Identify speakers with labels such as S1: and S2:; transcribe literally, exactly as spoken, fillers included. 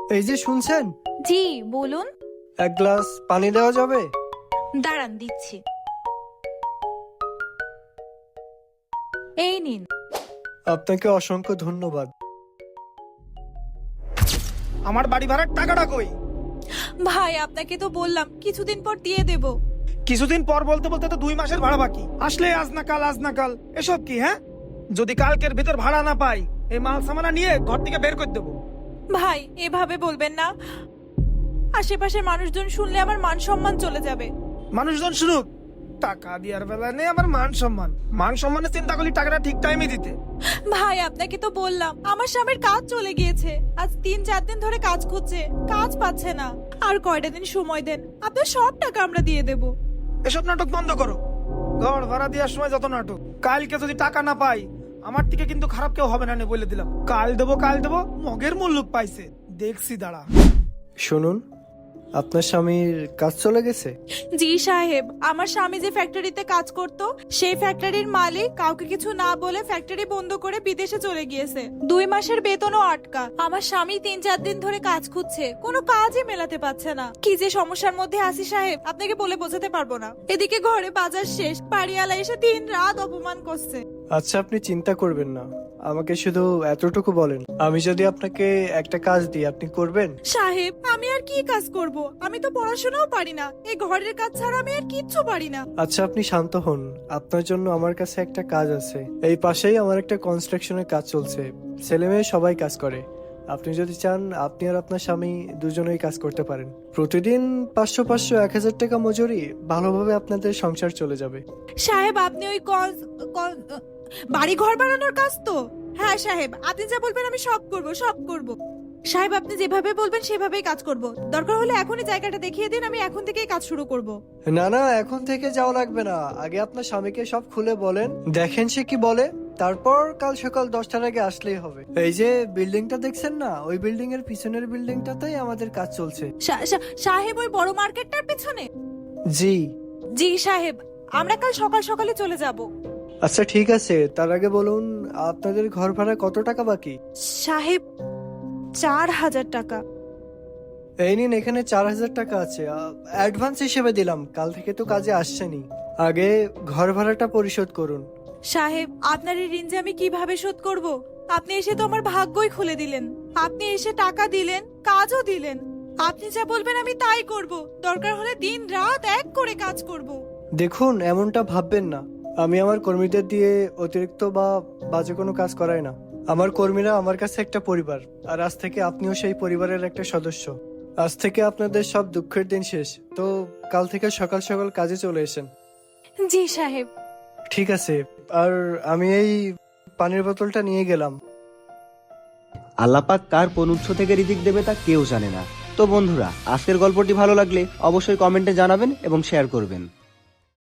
S1: এই যে শুনছেন,
S2: জি বলুন।
S1: এক গ্লাস পানি দেওয়া যাবে?
S2: দাঁড়ান দিচ্ছি। এই নিন।
S1: আপনাকে অসংখ্য ধন্যবাদ।
S3: আমার বাড়ি ভাড়ার টাকাটা কই?
S2: ভাই আপনাকে তো বললাম কিছুদিন পর দিয়ে দেব।
S3: কিছুদিন পর বলতে বলতে তো দুই মাসের ভাড়া বাকি। আসলে আজ না কাল, আজ না কাল, এসব কি? হ্যাঁ, যদি কালকের ভিতর ভাড়া না পাই, এই মাল সামানা নিয়ে ঘর থেকে বের করে দেবো।
S2: ভাই এভাবে বলবেন না, আশেপাশের মানুষজন শুনলে আমার মান সম্মান চলে যাবে।
S3: মানুষজন শুনুক, টাকা দেওয়ার বেলা নেই আমার মান সম্মান। মান সম্মানের চিন্তা করলি টাকাটা ঠিক টাইমে দিতে।
S2: ভাই আপনাকে তো বললাম আমার স্বামীর কাজ চলে গিয়েছে, আজ তিন চার দিন ধরে কাজ খুঁজছে, কাজ পাচ্ছে না। আর কয়টা দিন সময় দেন, আপনার সব টাকা আমরা দিয়ে দেব।
S3: এসব নাটক বন্ধ করো। ঘর ভাড়া দেওয়ার সময় যত নাটক, কালকে যদি টাকা না পাই আমার থেকে কিন্তু খারাপ কেউ হবে না, বলে দিলাম। কাল দেবো কাল দেবো, মগের মুল্লুক পাইছে, দেখছি দাঁড়া।
S1: শুনুন, আপনার স্বামীর কাজ চলে গেছে?
S2: জি সাহেব, আমার স্বামী যে ফ্যাক্টরিতে কাজ করত, সেই ফ্যাক্টরির মালিক কাউকে কিছু না বলে ফ্যাক্টরি বন্ধ করে বিদেশে চলে গিয়েছে। দুই মাসের বেতনও আটকা। আমার স্বামী তিন চার দিন ধরে কাজ খুঁজছে, কোনো কাজই মেলাতে পারছে না। কি যে সমস্যার মধ্যে আছি সাহেব, আপনাকে বলে বোঝাতে পারবো না। এদিকে ঘরে বাজার শেষ, বাড়িওয়ালা এসে দিন রাত অপমান করছে।
S1: আচ্ছা, আপনি চিন্তা করবেন না, আমাকে শুধু এতটুকু বলেন, আমি যদি আপনাকে একটা কাজ দিই আপনি করবেন?
S2: সাহেব আমি আর কি কাজ করব? আমি তো পড়াশোনাও পারি না, এই ঘরের কাজ ছাড়া আমি আর কিচ্ছু পারি না।
S1: আচ্ছা, আপনি শান্ত হন, আপনার জন্য আমার কাছে একটা কাজ আছে। এই পাশেই আমার একটা কনস্ট্রাকশনের কাজ চলছে, ছেলে মেয়ে সবাই কাজ করে। আপনি যদি চান আপনি আর আপনার স্বামী দুজনেই কাজ করতে পারেন। প্রতিদিন পাঁচশো পাঁচশো এক হাজার টাকা মজুরি, ভালোভাবে আপনাদের সংসার চলে যাবে।
S2: সাহেব আপনি ওই কন- কন- বাড়ি ঘর বানানোর কাজ তো? হ্যাঁ সাহেব, আপনি যা বলবেন আমি সব করব, সব করব। সাহেব আপনি যেভাবে বলবেন সেভাবেই কাজ করব। দরকার হলে এখনই জায়গাটা দেখিয়ে দিন, আমি এখন থেকেই কাজ শুরু করব।
S1: না না, এখন থেকে যাওয়া লাগবে না, আগে আপনার স্বামীকে সব খুলে বলেন, দেখেন সে কি বলে, তারপর কাল সকাল দশটার আগে আসলেই হবে। এই যে বিল্ডিংটা দেখছেন না, ওই বিল্ডিং এর পিছনের বিল্ডিংটাতেই আমাদের কাজ চলছে।
S2: সা- সা- সাহেব ওই বড় মার্কেটটার পেছনে?
S1: জি।
S2: জি সাহেব, আমরা কাল সকাল সকালে চলে যাব।
S1: আচ্ছা ঠিক আছে, তার আগে বলুন আপনাদের ঘর ভাড়া কত টাকা বাকি?
S2: সাহেব চার হাজার টাকা।
S1: এই নিন, এখানে চার হাজার টাকা আছে, অ্যাডভান্স হিসেবে দিলাম, কাল থেকে তো কাজে আসছেনি। আগে ঘর ভাড়াটা পরিশোধ করুন।
S2: সাহেব আপনার এই ঋণ যে আমি কিভাবে শোধ করব? আপনি এসে তো আমার ভাগ্যই খুলে দিলেন। আপনি এসে টাকা দিলেন, কাজও দিলেন। আপনি যা বলবেন আমি তাই করব, দরকার হলে দিন রাত এক করে কাজ করব।
S1: দেখুন, এমনটা ভাববেন না, আমি আমার কর্মীদের দিয়ে অতিরিক্ত বা বাজে কোনো কাজ করাই না। আমার কর্মীরা আমার কাছে একটা পরিবার, আর আজ থেকে আপনিও সেই পরিবারের একটা সদস্য। আজ থেকে আপনাদের সব দুঃখের দিন শেষ, তো কাল থেকে সকাল সকাল কাজে চলে এসেন।
S2: জি সাহেব।
S1: ঠিক আছে, আর আমি এই পানির বোতলটা নিয়ে গেলাম।
S4: আল্লাপাক কার কোন উৎস থেকে রিজিক দেবে তা কেউ জানে না। তো বন্ধুরা, আজকের গল্পটি ভালো লাগলে অবশ্যই কমেন্টে জানাবেন এবং শেয়ার করবেন।